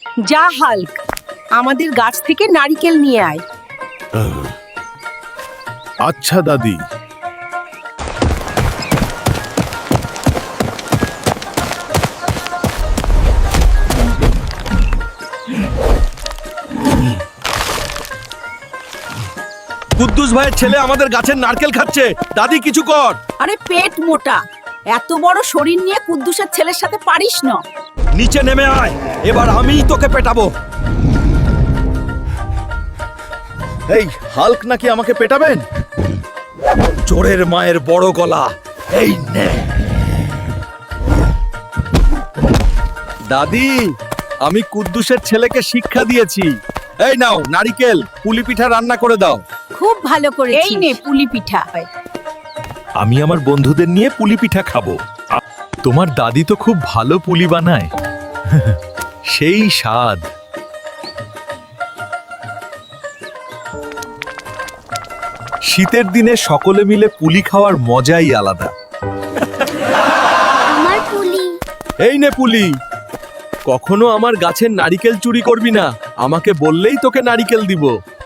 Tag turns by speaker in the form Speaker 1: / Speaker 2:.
Speaker 1: যা হাল্ক, আমাদের গাছ থেকে নারকেল নিয়ে আয়।
Speaker 2: আচ্ছা দাদি।
Speaker 3: কুদ্দুস ভাইয়ের ছেলে আমাদের গাছের নারকেল খাচ্ছে। দাদি কিছু কর।
Speaker 1: আরে পেট মোটা, এত বড় শরীর নিয়ে কুদ্দুসের ছেলের সাথে পারিস না।
Speaker 3: নিচে নেমে আয়, এবার আমিই তোকে পেটাবো।
Speaker 2: এই হাল্ক নাকি আমাকে পেটাবেন?
Speaker 3: চোরের মায়ের বড় গলা, এই নে। দাদি, আমি কুদ্দুসের ছেলেকে শিক্ষা দিয়েছি। এই নাও নারকেল, পুলি পিঠা রান্না করে দাও।
Speaker 1: খুব ভালো করে, এই নে পুলি পিঠা।
Speaker 2: আমি আমার বন্ধুদের নিয়ে পুলি পিঠা খাবো। তোমার দাদি তো খুব ভালো পুলি বানায়। সেই স্বাদ। শীতের দিনে সকলে মিলে পুলি খাওয়ার মজাই আলাদা।
Speaker 4: আমার পুলি।
Speaker 3: এই নে পুলি। কখনো আমার গাছের নারকেল চুরি করবি না, আমাকে বললেই তোকে নারকেল দিব।